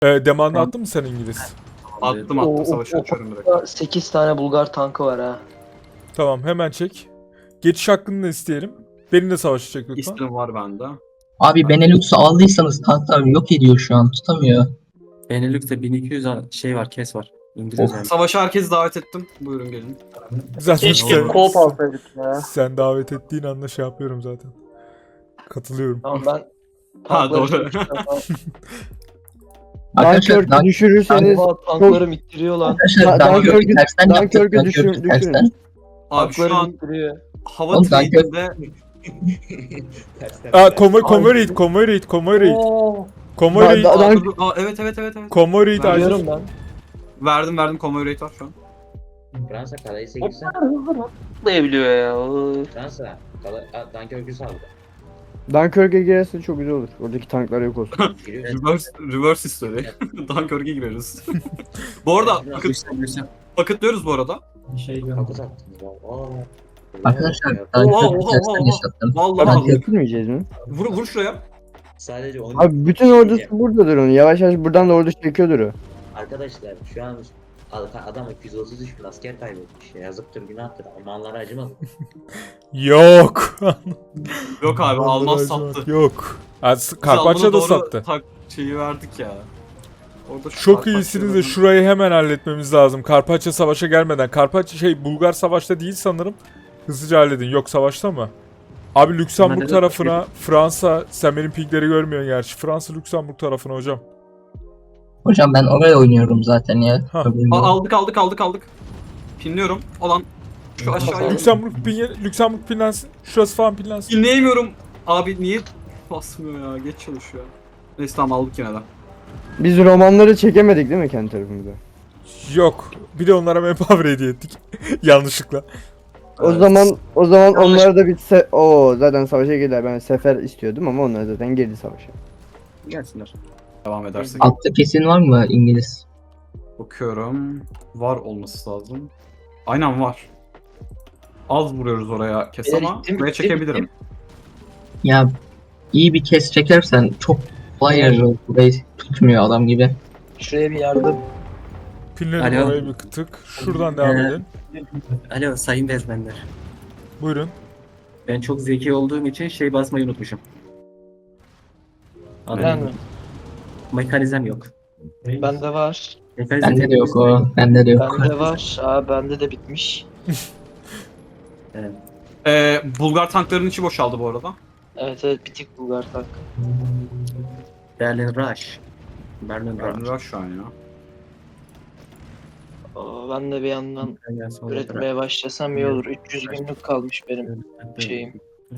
Demanda attın mı sen İngiliz? Attım savaşı açıyorum direkt. 8 tane Bulgar tankı var ha. Tamam hemen çek. Geçiş hakkını da isteyelim. Benimle savaşacak lütfen. İstim var bende. Abi Benelux'u aldıysanız tanklar yok ediyor şu an, tutamıyor. Benelux'te 1200 şey var, kes var. İngiliz yani. Savaşa herkesi davet ettim. Buyurun gelin. Zaten Keşke sen, co-op alsaydık ya. sen davet ettiğin anda şey yapıyorum zaten. Katılıyorum. Tamam ben Ha, doğru. Arkadaşlar, Dunkirk'ü düşürürseniz Oha, tanklarım ittiriyor lan. Dunkirk'ü tersten yaptık. Dunkirk'ü Dunkirk'ü tersten. Abi şu Tanklarım an ittiriyor. hava Oğlum, trade'inde Convoy raid. Convoy raid. evet. Convoy raid acil. Biliyorum ben. Verdim convoy rate var şu an. Fransa kalayı 8'den. Atlayabiliyor ya. Fransa Dunkirk'ü saldı. Dunkirk'e girerse çok güzel olur. Oradaki tanklar yok olsun. Giriyor. Reverse history. Dunkirk'e gireriz. Bu arada pakıtlıyoruz bu arada. Kapı sattınız. Arkadaşlar Oha, Dunkirk'ü oha, tersten oha. yaşattım. Vallahi Götürmeyeceğiz mi? vur şuraya. Sadece 10. Abi bütün ordusu buradadır onun. Yavaş yavaş buradan da ordu çekiyordur o. Arkadaşlar şu an adam 233 bin asker kaybetmiş. Yazıktır, günahtır. Almanlara acımadı. Yok. Yok abi Alman Vallahi sattı. Yok. Biz Karpaçya Alman'a da doğru sattı. Şeyi verdik ya. Orada şu Çok Karpaçya'da iyisiniz de da- şurayı hemen halletmemiz lazım. Karpaçya savaşa gelmeden. Karpaçya Bulgar savaşta değil sanırım. Hızlıca halledin. Yok savaşta mı? Abi Lüksemburg tarafına Fransa, sen benim pingleri görmüyorsun gerçi. Fransa Lüksemburg tarafına hocam. Hocam ben oraya oynuyorum zaten ya. Ha. Problem yok. Aldık. Pinliyorum. Olan şu aşağıya. Lüksemburg pinlensin. Şurası falan pinlensin. Dinleyemiyorum. Abi niye basmıyor ya? Geç çalışıyor. Neyse tamam aldık yine de. Biz romanları çekemedik değil mi kendi tarafımıza? Yok. Bir de onlara manpower hediye ettik. Yanlışlıkla. O zaman onlar da bitse zaten savaşa girdiler. Ben sefer istiyordum ama onlar zaten girdi savaşa. Gelsinler. Devam edersek. Altta kesin var mı İngiliz? Bakıyorum. Var olması lazım. Aynen var. Az vuruyoruz oraya kes Beyler, ama gittim, buraya gittim, çekebilirim. Ya iyi bir kes çekersen çok kolay yarıyor. Burayı tutmuyor adam gibi. Şuraya bir yardım. Pinledim Alo. oraya bir tık. Şuradan devam edin. Alo sayın bezmenler. Buyurun. Ben çok zeki olduğum için şey basmayı unutmuşum. Ben mi? Mekanizm yok. Bende var. Bende de yok o. Bende de yok. Bende var. Bende de bitmiş. Bulgar tanklarının içi boşaldı bu arada. Evet bitik Bulgar tank. Berlin Rush. Berlin Gördüm Rush. var şu an ya. Ben de bir yandan üretmeye başlasam iyi olur. 300 günlük kalmış benim şeyim.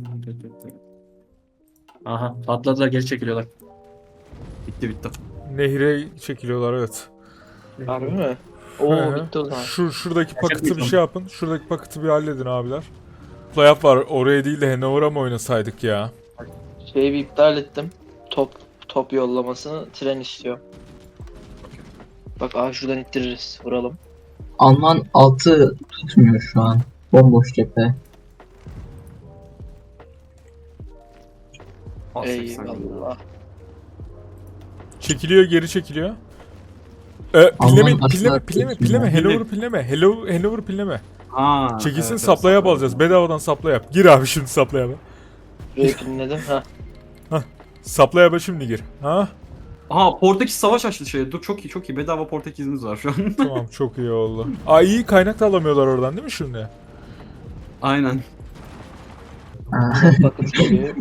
Aha patladılar, geri çekiliyorlar. Bitti. Nehire çekiliyorlar evet. Harbi mi? Hı Oo hı. bitti o zaman. Şuradaki paketi bir Gerçekten. şey yapın. Şuradaki paketi bir halledin abiler. Playoff var. Oraya değil de Hanover'a mı oynasaydık ya? Şeyi bir iptal ettim. Top yollamasını tren istiyor. Bak şuradan ittiririz. Vuralım. Alman altı tutmuyor şu an. Bomboş cephe. Eyvallah. Çekiliyor, geri çekiliyor. Alman Pilleme. aslında Hanover'ı pilleme. Hanover'ı pilleme. Ha, Çekilsin, evet, supply yap evet. alacağız. Bedavadan supply yap. Gir abi şimdi supply yap'a. Burayı pinledim. Supply yap'a şimdi gir. Ha? Aha Portekiz savaş açtı şey. Dur çok iyi. Bedava Portekizimiz var şu an. Tamam çok iyi oldu. İyi kaynak da alamıyorlar oradan değil mi şimdi? Aynen. Bakın geliyor.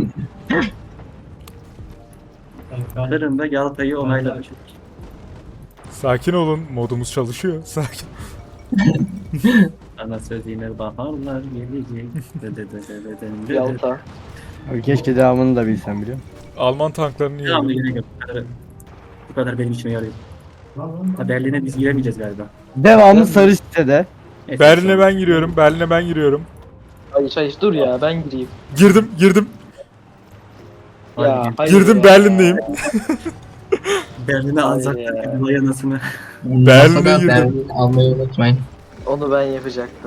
Kırım'da Galata'yı onayladı. Sakin olun. Modumuz çalışıyor. Sakin. Ana sözüne baharlar gelecek. Yalta. Abi keşke devamını da bilsem biliyor musun? Alman tanklarını Devamlı yiyelim. gerek yok. Bu kadar benim işime yarıyor. Ha, Berlin'e biz giremeyeceğiz galiba. Devamı sarı sitede. Neyse, Berlin'e ben giriyorum. Berlin'e ben giriyorum. Hayır dur ya ben gireyim. Girdim. Ya hayır Girdim ya. Berlin'deyim. Berlin'e Hayır anzacaktık. ya. Vay anasını. Berlin'e Masada girdim. Berlin almayı unutmayın. Onu ben yapacaktım.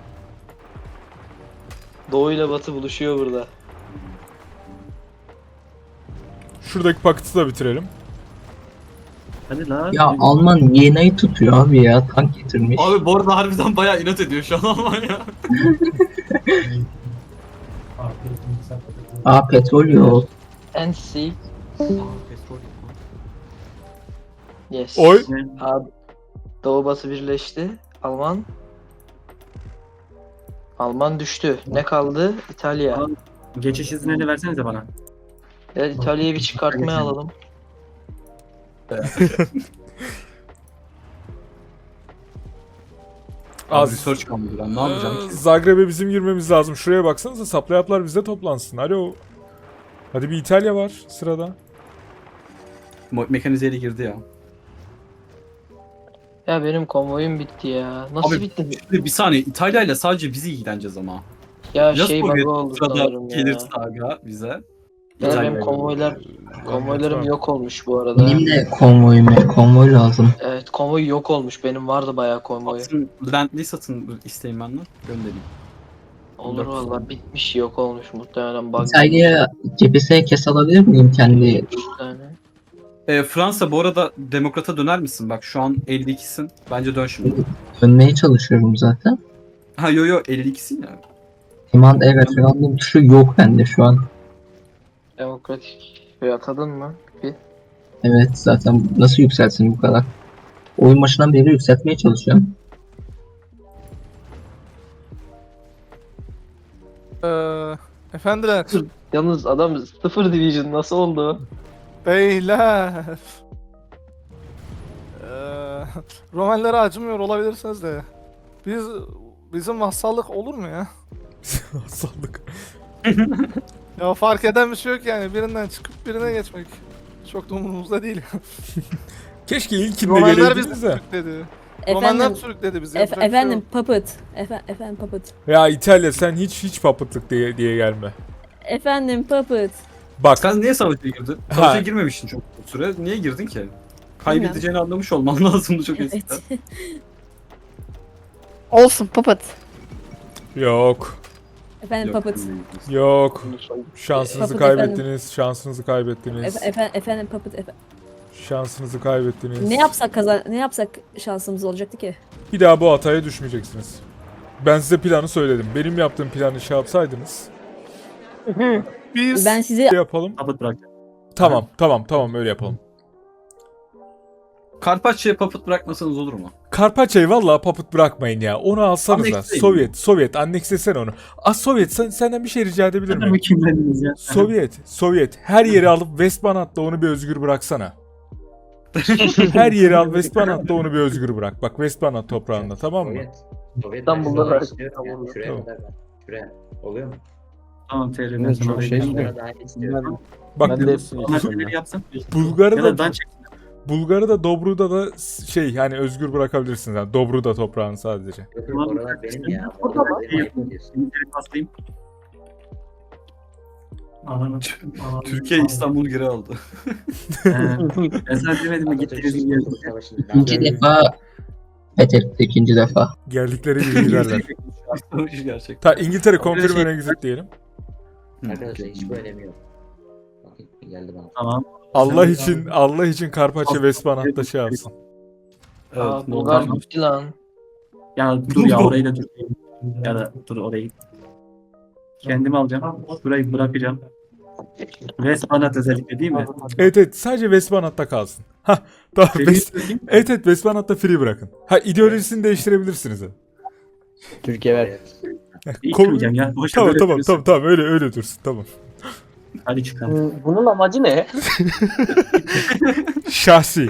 Doğu ile Batı buluşuyor burada. Şuradaki paketi de bitirelim. Hadi la. Ya Alman Viyana'yı tutuyor abi ya. Tank getirmiş. Abi bu arada harbiden bayağı inat ediyor şu an Almanya. Aa petrol yok. NC. Yes. Oy. Abi, Doğu Batı birleşti. Alman düştü. Ne kaldı? İtalya. Geçiş izinlerini versenize bana. Evet, İtalya'yı bir çıkartmaya alalım. Abi Az. research kalmadı ben ne yapacağım ki? Zagreb'e bizim girmemiz lazım. Şuraya baksanıza, supplyaplar bizde toplansın. Alo. Hadi bir İtalya var sırada. Mekanizeyle girdi ya. Ya benim konvoyum bitti ya. Nasıl Abi, bitti? Bir saniye İtalya ile sadece bizi ilgileneceğiz ama. Ya Ya şey Sovyet bug'ı oldu sırada sanırım ya. gelirse aga bize. Ya İtalya benim ile. konvoylarım yok olmuş bu arada. Benim de konvoy lazım. Evet, konvoy yok olmuş. Benim vardı bayağı konvoy. Satın, Bentley satın isteyin benden göndereyim. Olur valla, bitmiş, yok olmuş muhtemelen bug. İtalya'ya cephesine kes alabilir miyim kendi? Yani. Fransa bu arada demokrata döner misin? Bak şu an 52'sin. Bence dön şimdi. Dönmeye çalışıyorum zaten. Ha yo 52'sin ya. Evet referandum tuşu yok bende şu an. Demokratik şey atadın mı? Bir. Evet zaten nasıl yükselsin bu kadar? Oyun başından beri yükseltmeye çalışıyorum. Efendiler, Yalnız adam 0 division nasıl oldu? beyler. Romanlara acımıyor olabilirsiniz de. Bizim vassallık olur mu ya? Saldık. Ya fark eden bir şey yok yani. Birinden çıkıp birine geçmek. Çok da umurumuzda değil. Keşke ilkinde Romanlar bizi geleydiniz de. sürükledi. Romanlar Efendim, sürükledi bizi. yapacak bir şey efendim yok. puppet. Efendim puppet. Ya İtalya sen hiç papıtlık diye gelme. Efendim puppet. Bak Sen niye savaşa girdin? Ha. Savaşa girmemiştin çok süre. Niye girdin ki? Kaybedeceğini anlamış olman lazımdı çok eskiden. Evet. Olsun papat. yok. Efendim puppet. Yok. Şansınızı Papıt kaybettiniz. Şansınızı kaybettiniz. Efendim puppet. Şansınızı kaybettiniz. Ne yapsak şansımız olacaktı ki? Bir daha bu hataya düşmeyeceksiniz. Ben size planı söyledim. Benim yaptığım planı şey yapsaydınız. Biz Ben sizi Yapalım. Tabut bırak. Tamam öyle yapalım. Karpaçya'ya papıt bırakmasanız olur mu? Karpaçayı vallahi papıt bırakmayın ya. Onu alsanıza. Anneksleyin. Sovyet anneksesene onu. Sovyet senden bir şey rica edebilir miyim? Mükemmeliz ya. Sovyet her yeri alıp Westmanhat'ta onu bir özgür bıraksana. Her yeri al Westmanhat'ta onu bir özgür bırak. Bak Westmanhat toprağında, tamam mı? Sovyet İstanbul'da ben da- istiyorum ya. Şuraya Tamam. kadar ben. Şuraya. Oluyor mu? Tamam TR'den Evet, sonra çok oraya şey geçelim. Bunlara dahil istiyorum. Bak Onlar TR'leri yapsın. Bulgar'ı Ya da da ben çek. Bulgar'ı da Dobru'da da şey hani özgür bırakabilirsiniz. Yani Dobru'da toprağını sadece. Yok, yok, oralar benim ya. Orada Oralar mı? benim, ayıp ediyorsun. Şimdi TR'yi paslayayım. Türkiye İstanbul geri aldı. Ben sana demedim mi gittiniz mi Atatürk Savaşı'nda İkinci defa fethetti ikinci defa. Geldikleri gibi giderler. Savaşı gerçekten. İngiltere confirm and exit diyelim. Arkadaşlar hiç bu önemi yok. Bakın geldi bana. Tamam. Allah için Karpaçya Westmanhat'ta şey yapsın. Evet, Bulgar Moldova. bitti lan. Ya dur ya orayı da dur. Ya da dur orayı. Kendim alacağım. Burayı bırakacağım. Westmanhat özellikle değil mi? Evet sadece Westmanhat'ta kalsın. Tamam. Benim söyleyeyim. Evet Westmanhat'ta free bırakın. İdeolojisini değiştirebilirsiniz. Türkiye ver. Evet. İlk Kol- söyleyeceğim ya. Boşa böyle diyorsun. Tamam öyle dursun tamam. Hadi çıkalım. Bunun amacı ne? Şahsi.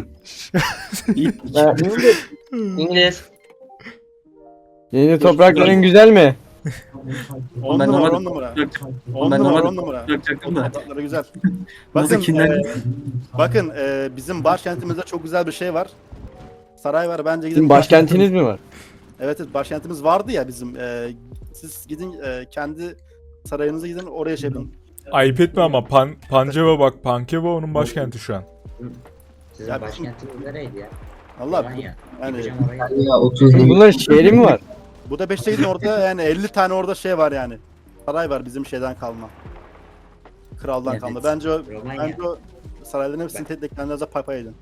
İngiliz. Yeni toprakların güzel mi? 10 Ben numara, normalde- 10 numara. Ben 10 numara, normalde 10 numara. bırakacaktım da. Toprakları güzel. Nasıl Bakın, kinler? bakın bizim başkentimizde çok güzel bir şey var. Saray var, bence gidin. Sizin başkentiniz mi var? Evet, başkentimiz vardı ya bizim. Siz gidin kendi sarayınıza gidin, oraya şey yapın. Ayıp etme ama Panceva bak. Pankeva onun başkenti şu an. Sizin Ya- başkentiniz nereydi ya? Allah Alanya. yani Gideceğim oraya. Ya 30 yıl. Bunların şehri mi var? bu da 5'te gidin orada yani 50 tane orada şey var yani. Saray var bizim şeyden kalma. Kraldan Evet. kalma. Bence o Romanya. sarayların hepsini tek tek kendinize pay pay edin.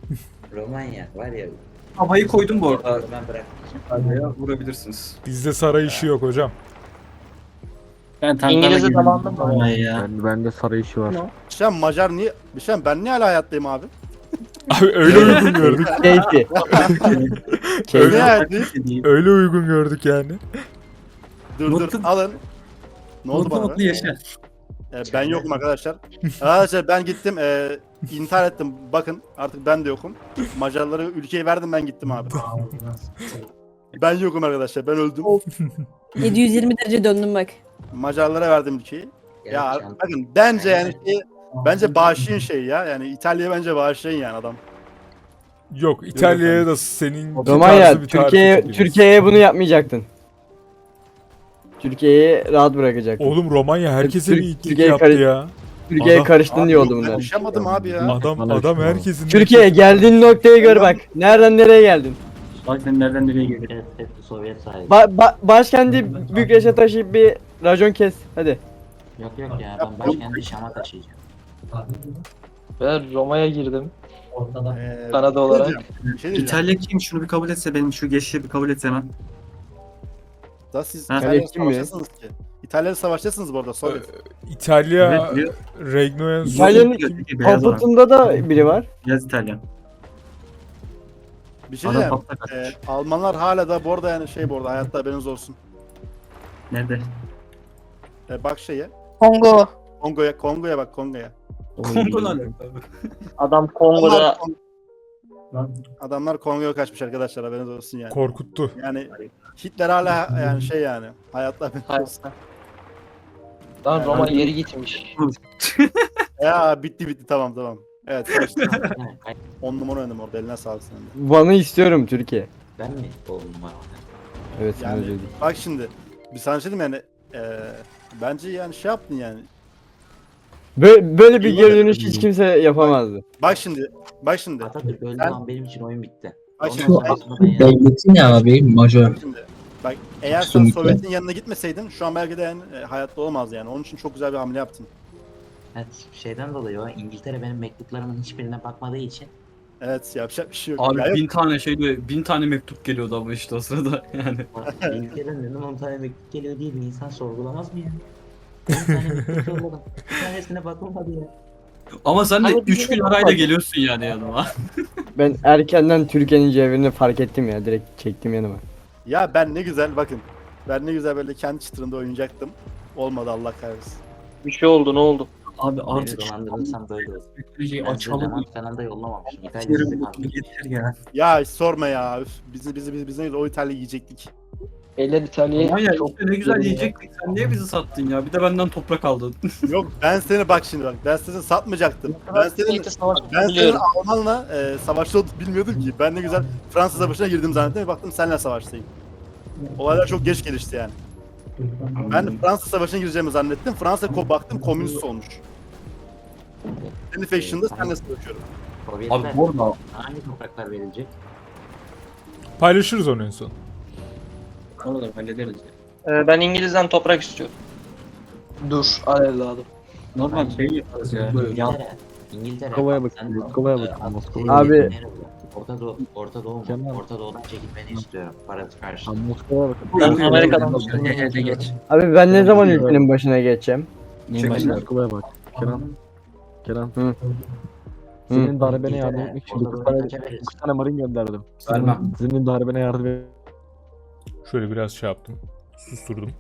Romanya var ya. Havayı koydum bu arada. Ben bırak. Adaya vurabilirsiniz. Bizde saray işi yok hocam. Ben tanklarla İngilizce gidiyorum. zamanında mı? Vallahi ya. Bende saray işi var. Şen Macar niye? Şen ben niye hala hayattayım abi? Abi öyle uygun gördük. Keyfi. Niye Öyle, hayattayım? öyle uygun gördük yani. Dur Mutlu- alın. Ne oldu Mutlu bana? mutlu yaşa. Ben yokum arkadaşlar. Arkadaşlar ben gittim intihar ettim. Bakın artık ben de yokum. Macarlara ülkeyi verdim ben gittim abi. Ben yokum arkadaşlar ben öldüm. 720 derece döndüm bak. Macarlara verdim ülkeyi. Ya, Ya can- bakın bence yani bence bağışlayın şey ya. Yani İtalya'ya bence bağışlayın yani adam. Yok İtalya'ya da senin Romanya, tarzı bir tarif Türkiye'ye bunu yapmayacaktın. Türkiye'yi rahat bırakacaktın. Oğlum Romanya herkese bir itlik Türkiye'yi yaptı ya. Türkiye'ye adam- karıştın diye oldu Ben bunlar. yaşamadım abi ya. Adam herkesin... Türkiye geldiğin noktayı gör bak. Nereden nereye geldin? Bak sen nereden nereye geliyorsun? Evet, hepsi Sovyet sahibi. Başkenti Bükreş'e taşıyıp bir racon kes. Hadi. Yok yok ya ben başkenti Şam'a taşıyacağım. Ben Roma'ya girdim. ne Kanada olarak. diyeceğim? Bir şey diyeceğim. İtalya kim? Şunu bir kabul etse benim şu geçişi bir kabul etse hemen. Da siz Ha, İtalya'ya kim mi? savaştasınız ki. İtalya'ya savaştasınız bu arada Sovyet. İtalya, Evet, biliyor. Regnoyan... İtalya'nın Beyaz olan. Kaputunda da biri var. Beyaz İtalyan. Bir şey Adam diyeceğim. kapta kaçmış. Almanlar hala da bu arada yani bu arada hayatta haberiniz olsun. Nerede? Bak şeye. Kongo. Kongo'ya bak Kongo'ya. Kongo'dan abi. Adam Kongo'da Adamlar Kongo'ya kaçmış arkadaşlar haberiniz olsun yani. Korkuttu. Yani Hitler hala yani yani hayatta haberiniz olsun. Lan Roma geri gitmiş. Ya bitti tamam. Evet karıştı. Ha, 10 numara oynadım orada eline sağlık senin de. Van'ı istiyorum Türkiye. Ben mi oldum var? Evet sen Yani öyle dedin. bak şimdi bir sana şey diyeyim yani bence yani şey yaptın yani. Böyle bir geri dönüş hiç kimse yapamazdı. Bak şimdi. Atatürk öldü Ben- lan benim için oyun bitti. Bak Ondan şimdi, sonrasında ben yani. Devleti ne abi? Majör. Bak şimdi. Bak eğer sen Kesinlikle. Sovyet'in yanına gitmeseydin şu an belki de yani, hayatta olmaz yani. Onun için çok güzel bir hamle yaptın. Evet, şeyden dolayı o İngiltere benim mektuplarımın hiçbirine bakmadığı için Evet yapacak bir şey yok. Abi Ya yok. 1000 tane şey diyor, 1000 tane mektup geliyordu ama işte o sırada yani. İngiltere'den neden 10 tane mektup geliyor diye bir insan sorgulamaz mı ya? 10 tane mektup yolladım. Bir tanesine bakılmadı ya. Ama sen de Ama 3 gün arayla geliyorsun yani yanıma. Ben erkenden Türkiye'nin cevherini fark ettim ya. Direkt çektim yanıma. Ya ben ne güzel bakın. Ben ne güzel böyle kendi çıtırında oynayacaktım. Olmadı Allah kahretsin. Bir şey oldu ne oldu? Abi Beni artık dolandırırsam böyle olur. teknolojiyi Ben size açalım. Levent falan da yollamamışım. İtalya Yerim sizi mutlu kandırdı. getir ya. Ya hiç sorma ya. Üf, biz ne güzel o İtalya'yı yiyecektik. Eller İtalya'ya Aman ya çok işte ne güzel yiyecektik. Sen niye bizi sattın ya? Bir de benden toprak aldın. Yok ben seni bak şimdi bak. Ben seni satmayacaktım. Ben senin savaşı ben senin biliyorum. Almanla savaşta olduğunu bilmiyordum ki. Ben ne güzel Fransız savaşına girdim zannettim ve baktım seninle savaştayım. Olaylar çok geç gelişti yani. Ben Fransız savaşına gireceğimi zannettim. Baktım komünist olmuş. Senin faction'da seninle savaşıyorum. Sovyetler Abi bu arada hangi topraklar verilecek? Paylaşırız onu en son. Onu da hallederiz ya. Ben İngiliz'den toprak istiyorum. Dur al evladım. Normal şey yaparız ya. Ya İngiltere. İngiltere. Moskova'ya bak, bakın, sen- Moskova'ya bakın, Abi, Moskova'ya Abi- nerede? Orta Doğu mu? Kemal. Orta Doğu'dan çekilmeni istiyorum. Parası karşılığında. Moskova'ya bakın. Ben Amerika'dan Hede geç. Abi ben ne zaman ülkenin başına geçeceğim? Neyin başına? Moskova'ya bak. Kenan. Hı. Senin darbene yardım İngiltere, etmek için Orta 9 Doğu'dan tane, kaça verirsin? 9 tane marin gönderdim. Vermem. Senin darbene yardım et. Şöyle biraz şey yaptım. Susturdum.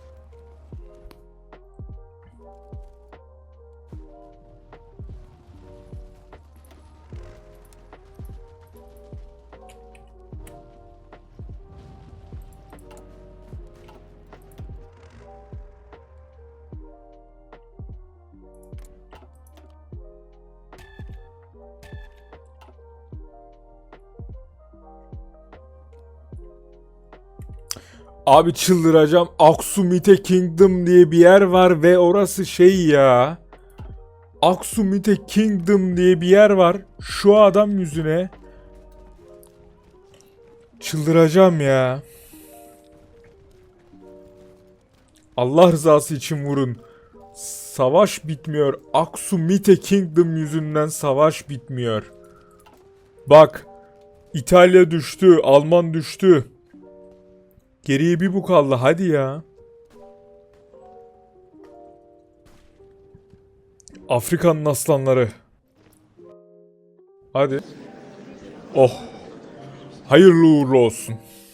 Abi çıldıracağım. Aksumite Kingdom diye bir yer var ve orası şey ya. Aksumite Kingdom diye bir yer var. Şu adam yüzüne. Çıldıracağım ya. Allah rızası için vurun. Savaş bitmiyor. Aksumite Kingdom yüzünden savaş bitmiyor. Bak. İtalya düştü. Alman düştü. Geriye bir bu kaldı. Hadi ya. Afrika'nın aslanları. Hadi. Oh. Hayırlı uğurlu olsun.